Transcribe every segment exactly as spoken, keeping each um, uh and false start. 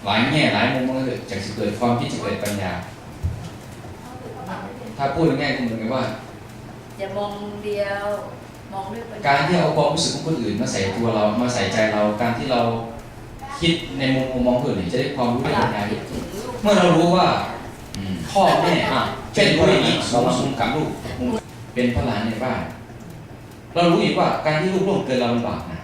หลายแง่หลายมุมมันก็เกิดจากเกิดความคิดจะเกิดปัญญาถ้าพูดง่ายๆก็เหมือนกับว่าอย่ามองเดียวมองด้วยปัญญาการที่เอาความรู้สึกของคนอื่นมาใส่ตัวเรามาใส่ใจเราการที่เราคิดในมุมมองคนอื่นจะได้ความรู้ได้ปัญญาเมื่อเรารู้ว่าพ่อแม่เป็นผู้อย่างนี้สูงสูงกับลูกเป็นพระหลานในบ้านเรารู้อีกว่าการที่ลูกล่วงเกินเราลำบากนะ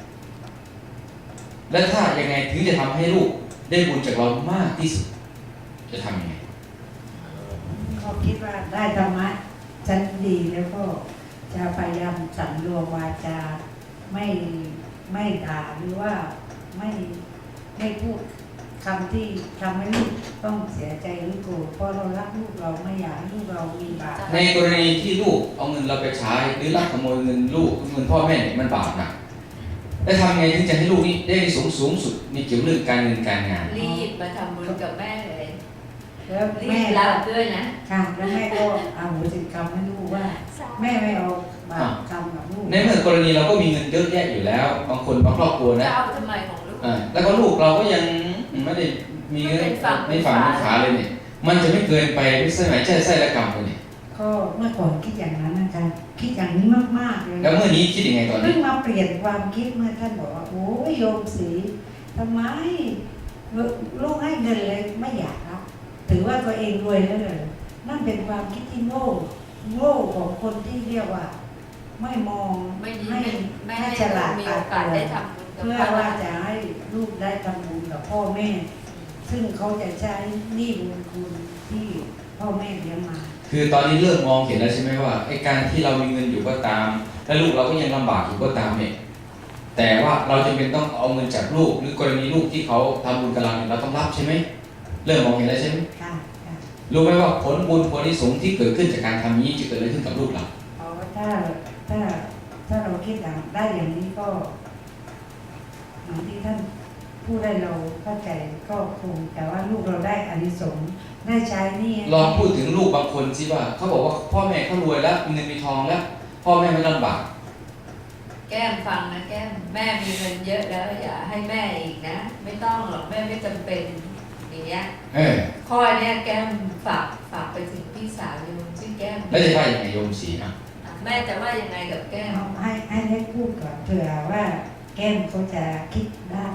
และถ้ายังไงถึงจะทำให้ลูกได้บุญจากเรามากที่สุดจะทำยังไงเขาคิดว่าได้ธรรมะชั้นดีแล้วก็จะพยายามสำรวมวาจาไม่ไม่ด่าหรือว่าไม่ไม่พูดคำที่ทำให้ลูกต้องเสียใจหรือโกรธเพราะเรารักลูกเราไม่อยากให้ลูกเรามีบาปในกรณีที่ลูกเอาเงินเราไปใช้หรือลักขโมยเงินลูกเงินพ่อแม่เนี่ยมันบาปนะแล้วทำไงถึงจะให้ลูกนี่ได้สูงสูงสุดมีเกี่ยวเรื่องการเงินการงานรีบมาทำบุญกับแม่เลยแล้วแม่รับด้วยนะค่ะแล้วแม่ก็เอาหัวจิตกรรมให้ลูกว่าแม่ไม่เอาบาปกรรมกับลูกในเมื่อกรณีเราก็มีเงินเยอะแยะอยู่แล้วบางคนบางครอบครัวนะจะเอาทำไมของลูกแล้วก็ลูกเราก็ยังไม่ได้มีเงินในฝั่งในขาเลยเนี่ยมันจะไม่เกินไปไม่ใช่ไหมใช่ใช่ละกรรมเลยเนี่ยก็เมื่อก่อนคิดอย่างนั้นนะคะคิดอย่างนี้มากๆเลยแล้วเมื่อนี้คิดยังไงตอนนี้เพิ่งมาเปลี่ยนความคิดเมื่อท่านบอกว่าโอ้ยโยมศรีทำไมลูกให้เงินเลยไม่อยากรับถือว่าตัวเองรวยแล้วเลยนั่นเป็นความคิดที่โง่โง่ของคนที่เรียกว่าไม่มองไม่ให้ฉลาดมีโอกาสได้ทำบุญเพื่อว่าจะให้ลูกได้ทำบุญกับพ่อแม่ซึ่งเขาจะใช้หนี้บุญคุณที่พ่อแม่เลี้ยงมาคือตอนนี้เริ่มมองเห็นแล้วใช่ไหมว่าไอ้การที่เรามีเงินอยู่ก็ตามและลูกเราก็ยังลำบากอยู่ก็ตามเนี่ยแต่ว่าเราจำเป็นต้องเอาเงินจากลูกหรือกรณีลูกที่เขาทำบุญกับเราเนี่ยเราต้องรับใช่ไหมเริ่มมองเห็นแล้วใช่ไหมค่ะรู้ไหมว่าผลบุญผลนิสงส์ที่เกิดขึ้นจากการทำนี้จะเกิดอะไรขึ้นกับลูกเราเอาถ้าถ้าถ้าเราคิดอย่างได้อย่างนี้ก็เหมือนที่ท่านผู้ได้เราเข้าใจก็คงแต่ว่าลูกเราได้อานิสงส์ได้ใช้นี่ลองพูดถึงลูกบางคนสิว่าเขาบอกว่าพ่อแม่เขารวยแล้วมีเงินมีทองแล้วพ่อแม่ไม่ลำบากแก้มฟังนะแก้มแม่มีเงินเยอะแล้วอย่าให้แม่อีกนะไม่ต้องหรอกแม่ไม่จำเป็นอย่างเงี้ยข้อเนี้ยแก้มฝากฝากไปถึงพี่สาวโยมชื่อแก้มแล้วจะว่ายังไงโยมศรีอ่ะแม่จะว่ายังไงกับแก้มให้ให้ได้พูดก่อนเผื่อว่าแก้มเขาจะคิดได้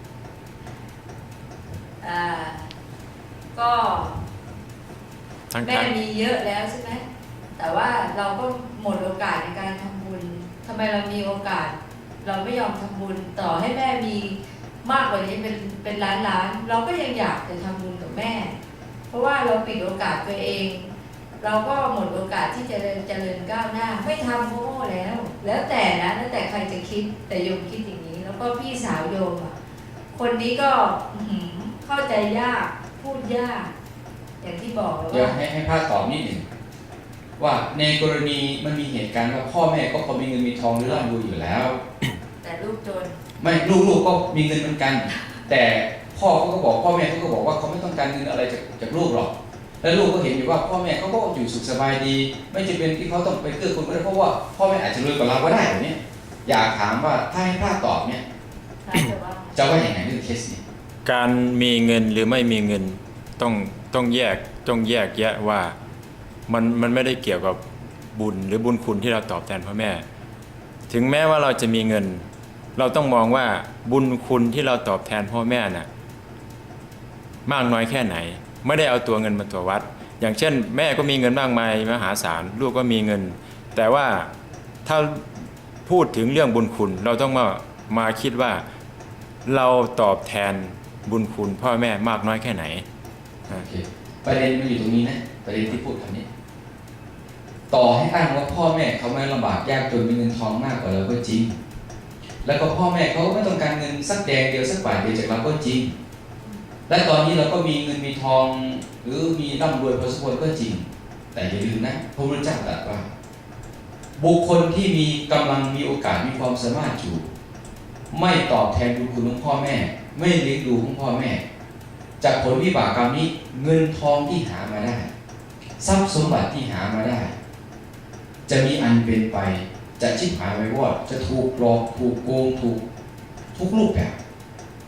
อ่าก็แม่มีเยอะแล้วใช่ไหมแต่ว่าเราก็หมดโอกาสในการทำบุญทำไมเรามีโอกาสเราไม่ยอมทำบุญต่อให้แม่มีมากกว่านี้เป็นเป็นล้านล้านเราก็ยังอยากจะทำบุญกับแม่เพราะว่าเราปิดโอกาสตัวเองเราก็หมดโอกาสที่จะเจริญก้าวหน้าไม่ทำโง่แล้วแล้วแต่นะแล้วแต่ใครจะคิดแต่โยมคิดอย่างนี้แล้วก็พี่สาวโยมอ่ะคนนี้ก็เข้าใจยากพูดยากอย่างที่บอกแล้วว่าให้ให้พาตอบนิดหนึ่งว่าในกรณีมันมีเหตุการณ์ว่าพ่อแม่ก็พอมีเงินมีทองหรือร่ำรวยอยู่แล้วแต่ลูกจนไม่ลูกๆก็มีเงินเหมือนกันแต่พ่อเขาก็บอกพ่อแม่เขาก็บอกว่าเขาไม่ต้องการเงินอะไรจากจากลูกหรอกแล้วลูกก็เห็นอยู่ว่าพ่อแม่เขาก็อยู่สุขสบายดีไม่จำเป็นที่เขาต้องไปเกื้อกูลก็ได้เพราะว่าพ่อแม่อาจจะรวยกว่าเราก็ได้แบบนี้อยากถามว่าถ้าให้พาตอบเนี่ยจะว่าอย่างไรเรื่องเคสนี้การมีเงินหรือไม่มีเงินต้องต้องแยกต้องแยกแยะว่ามันมันไม่ได้เกี่ยวกับบุญหรือบุญคุณที่เราตอบแทนพ่อแม่ถึงแม้ว่าเราจะมีเงินเราต้องมองว่าบุญคุณที่เราตอบแทนพ่อแม่น่ะมากน้อยแค่ไหนไม่ได้เอาตัวเงินมาตัววัดอย่างเช่นแม่ก็มีเงินมากมายมหาศาลลูกก็มีเงินแต่ว่าถ้าพูดถึงเรื่องบุญคุณเราต้องมามาคิดว่าเราตอบแทนบุญคุณพ่อแม่มากน้อยแค่ไหนโอเคประเด็นมันอยู่ตรงนี้นะประเด็นที่พูดคำนี้ต่อให้อ้างว่าพ่อแม่เขาไม่ลำบากยากจนมีเงินทองมากกว่าเราก็จริงแล้วก็พ่อแม่เขาไม่ต้องการเงินสักแดงเดียวสักบาทเดียวจากเราก็จริงและตอนนี้เราก็มีเงินมีทองหรือมีร่ำรวยพอสมควรก็จริงแต่อย่าลืมนะพระพุทธเจ้าตรัสว่าบุคคลที่มีกำลังมีโอกาสมีความสามารถอยู่ไม่ตอบแทนบุญคุณของพ่อแม่ไม่เลี้ยงดูของพ่อแม่จากผลวิบากกรรมนี้เงินทองที่หามาได้ทรัพย์สมบัติที่หามาได้จะมีอันเป็นไปจะชิบหายไปวอดจะถูกหลอกถูกโกงถูกทุกรูปแบบ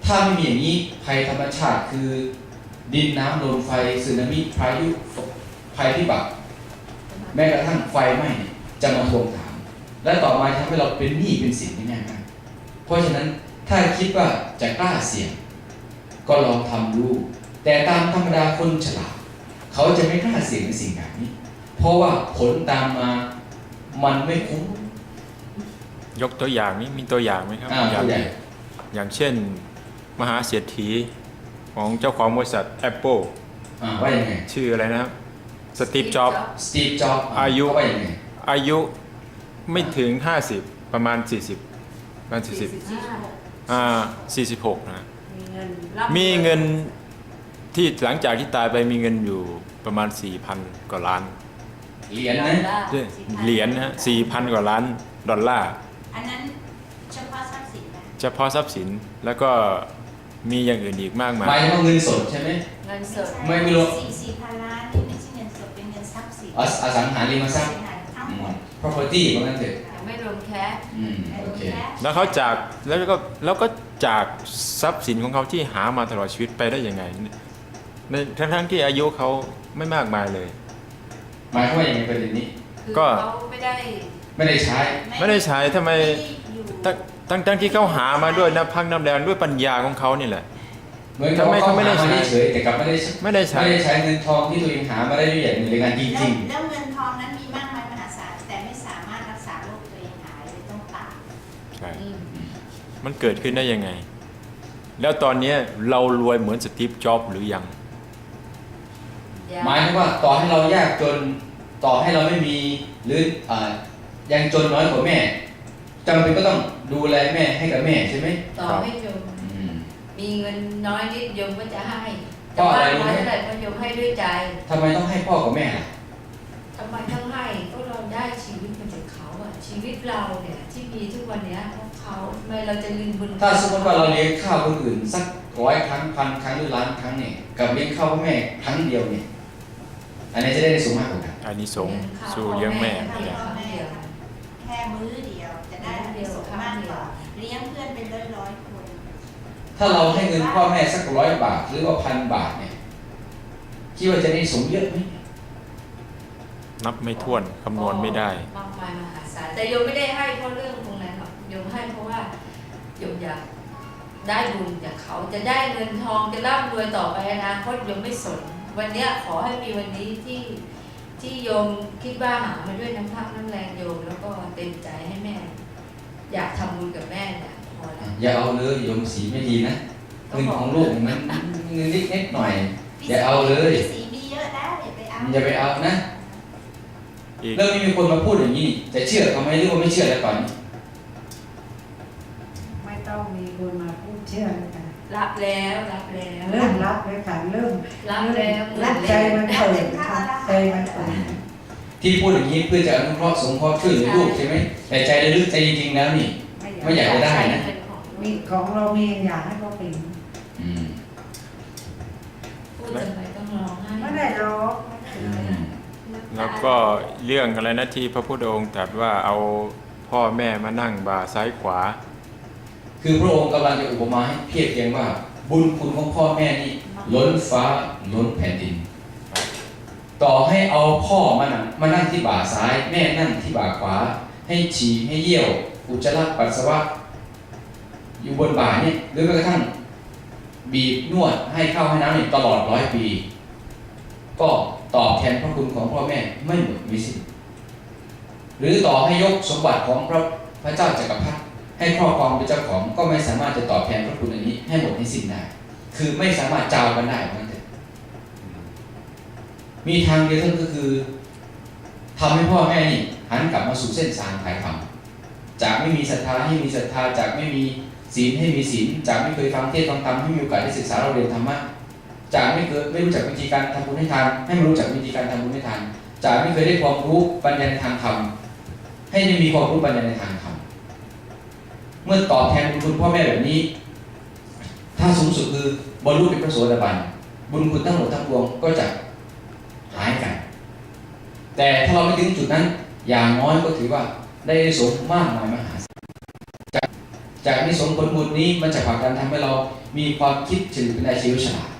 ถ้าไม่มีอย่างนี้ภัยธรรมชาติคือดินน้ำลมไฟสึนามิพายุภัยพิบัติแม้กระทั่งไฟไหม้จะมาทวงถาม และต่อมาทำให้เราเป็นหนี้เป็นสินง่ายมากเพราะฉะนั้นถ้าคิดว่าจะกล้าเสี่ยงก็ลองทำดูแต่ตามธรรมดาคนฉลาดเขาจะไม่กล้าเสี่ยงในสิ่งแบบนี้เพราะว่าผลตามมามันไม่คุ้มยกตัวอย่างนี้มีตัวอย่างไหมครับอ่าอย่าตังวใหญ่อย่างเช่น มหาเศรษฐีของเจ้าของบริษัท Apple อ่าว่ายังไงชื่ออะไรนะครับสตีฟจ็อบสตีฟจ็อบส์อายุว่ายังไงอายุไม่ถึง ห้าสิบ ประมาณ สี่สิบประมาณ สี่สิบ อ่า สี่สิบหก นะมีเงินมีเงินที่หลังจากที่ตายไปมีเงินอยู่ประมาณ สี่พัน กว่าล้านเหรียญนะเหรียญนะฮะ สี่พัน กว่าล้านดอลลาร์อันนั้นเฉพาะทรัพย์สินนะเฉพาะทรัพย์สินแล้วก็มีอย่างอื่นอีกมากมาหมายยถึงว่าเงินสดใช่ไหมเงินสดไม่ไม่รู้สี่สี่พันล้านนี่ไม่ใช่เงินสดเป็นเงินทรัพย์สินออสังหาริมทรัพย์ทั้งอืหมมด property ว่างั้นเถอะยังไม่รวมแคสอืมโอเคแล้วเขาจากแล้วก็แล้วก็จากทรัพย์สินของเขาที่หามาตลอดชีวิตไปได้ยังไงในทั้งทั้งๆที่อายุเขาไม่มากมายเลยหมายความว่าอย่างไรประเด็นนี้คือก็เขาไม่ได้ไม่ได้ใช้ไม่ได้ใช้ทำไมอยู่ตั้งตั้งตั้งที่เขาหามาด้วยน้ำพักน้ำแรงด้วยปัญญาของเขานี่แหละเหมือนกับว่าทำไมเขาเขาไม่ได้หามาใช้เฉยๆแต่กลับไม่ได้ไม่ได้ใช้ไม่ได้ใช้เงินทองที่ตัวเองหามาได้ด้วยอย่างหนึ่งในงานจแล้วริงแล้วเงินทองนั้นมีมากมายมหาศาลแต่ไม่สามารถรักษาโรคตัวเองหายเลยต้องตายใช่อืมมันเกิดขึ้นได้ยังไง แล้วตอนนี้เรารวยเหมือนสตีฟจ็อบส์หรือยังๆ หมายถึงว่าต่อให้เรายากจนต่อให้เราไม่มีหรืออ่ายังจนน้อยกว่าแม่จำเป็นก็ต้องดูแลแม่ให้กับแม่ใช่ไหมต่อให้โยมอืมมีเงินน้อยนิดโยมก็จะให้เพแต่ราะอะว่าไรรู้น้ไหมอยเท่าไหร่ก็โยมให้ด้วยใจทำไมต้องให้พ่อกับแม่ล่ะทำไมต้องให้ก็เราได้ชีวิตมาจากเขาอะชีวิตเราเนี่ยที่มีทุกวันเนี้ยเพราะเขาทำไมเราจะลืมบุญถ้าสมมติว่าเราเลี้ยงข้าวคนอื่นสักร้อยครั้งพันครั้งหรือล้านครั้งเนี่ยกับเลี้ยงข้าวพ่อแม่ครั้งเดียวเนี่ยอันไหนี้จะได้สูงมากกว่ากันอานิสงส์สู่เลี้ยงแม่เลี้ยงเนี่ยครั้งเดียวแค่มื้อเดียวจะได้อานิสงส์มากกว่าเลี้ยงเพื่อนเป็นร้อยร้อยๆคนถ้าเราให้เงินพ่อแม่สักร้อยบาทหรือว่าพันบาทเนี่ยคิดว่าจะได้สูงเยอะไหมนับไม่ถ้วนคำนวณไม่ได้มากมายมหาศาลแต่โยมไม่ได้ให้เพราะเรื่องตรงนั้นหรอกโยมให้เพราะว่าโยมอยากได้บุญจากเขาจะได้เงินทองจะร่ำรวยต่อไปอนาคตโยมไม่สน วันเนี้ยขอให้มีวันนี้ที่ที่โยมคิดว่าหามาด้วยน้ำพักน้ำแรงโยมแล้วก็เต็มใจให้แม่ อยากทำบุญกับแม่เนี่ยพอแล้วอย่าเอาเลยโยมสีไม่ดีนะเงินของลูกมันเงินนิดๆหน่อย อย่าเอาเลยพี่สีมีเยอะแล้วอย่าไปเอาอย่าไปเอานะอีกเรื่องนี้มีคนมาพูดอย่างนี้จะเชื่อเขาไหมหรือว่าไม่เชื่อแล้วก่อนนี้ไม่ต้องมีคนมาพูดเชื่อเลยค่ะรับแล้วรับแล้วเริ่มรับเลยค่ะเริ่มรับแล้วหมื่รันบแล้ใจวมันเปิดค่ะใจมันเปิดที่พูดอย่างนี้เพื่อจะอนุเคราะห์สงเคราะห์ช่วยเหลือลูกใช่ไหมแต่ใจลึกๆใจจริงๆแล้วนี่ ไม่อยากจะได้นะเป็นของมีของเรามีอยากให้เขาเป็นอืมพูดทำไมต้องร้องไห้ไม่ได้ร้องอืมแล้วก็เรื่องอะไรนะที่พระพุทธองค์ตรัสว่าเอาพ่อแม่มานั่งบ่าซ้ายขวาคือพระองค์กำลังจะอุปมาให้เพียบเทียงว่า บุญคุณของพ่อแม่นี่ล้นฟ้าล้นแผ่นดิน ต่อให้เอาพ่อมานั่งมานั่งที่บ่าซ้าย แม่นั่งที่บ่าขวา ให้ฉี่ให้เยี่ยว อุจจาระปัสสาวะอยู่บนบ่าเนี่ยหรือแม้กระทั่งบีบนวดให้ข้าวให้น้ำเนี่ยตลอดร้อยปี ก็ตอบแทนพระคุณของพ่อแม่ไม่หมดมิสิ้นหรือต่อให้ยกสมบัติของพระพระเจ้าจักรพรรดิให้ครอบครองเป็นเจ้าของก็ไม่สามารถจะตอบแทนพระคุณอันนี้ให้หมดให้สิ้นได้ คือไม่สามารถจาวกันได้เหมือนกันมีทางเดียวเท่านั้นก็คือทำให้พ่อแม่นี่หันกลับมาสู่เส้นทางถ่ายธรรมจากไม่มีศรัทธาให้มีศรัทธาจากไม่มีศีลให้มีศีลจากไม่เคยฟังเทศน์ฟังธรรมให้มีโอกาสได้ศึกษาเราเรียนธรรมะจากไม่เคยไม่รู้จักวิธีการทำบุญให้ทานให้มารู้จักวิธีการทำบุญให้ทานจากไม่เคยได้ความรู้ปัญญาในทางธรรมให้ได้มีความรู้ปัญญาในทางธรรมเมื่อตอบแทนบุญคุณพ่อแม่แบบนี้ ถ้าสูงสุดคือบรรลุเป็นพระโสดาบันบุญคุณทั้งหมดทั้งปวงก็จะหายกันแต่ถ้าเราไม่ถึงจุดนั้นอย่างน้อยก็ถือว่าได้อานิสงส์มากมายมหาศาลจากนิสงส์ผลบุญนี้มันจะผลักดันทำให้เรามีความคิดถึงเป็นอาชีวฉลาด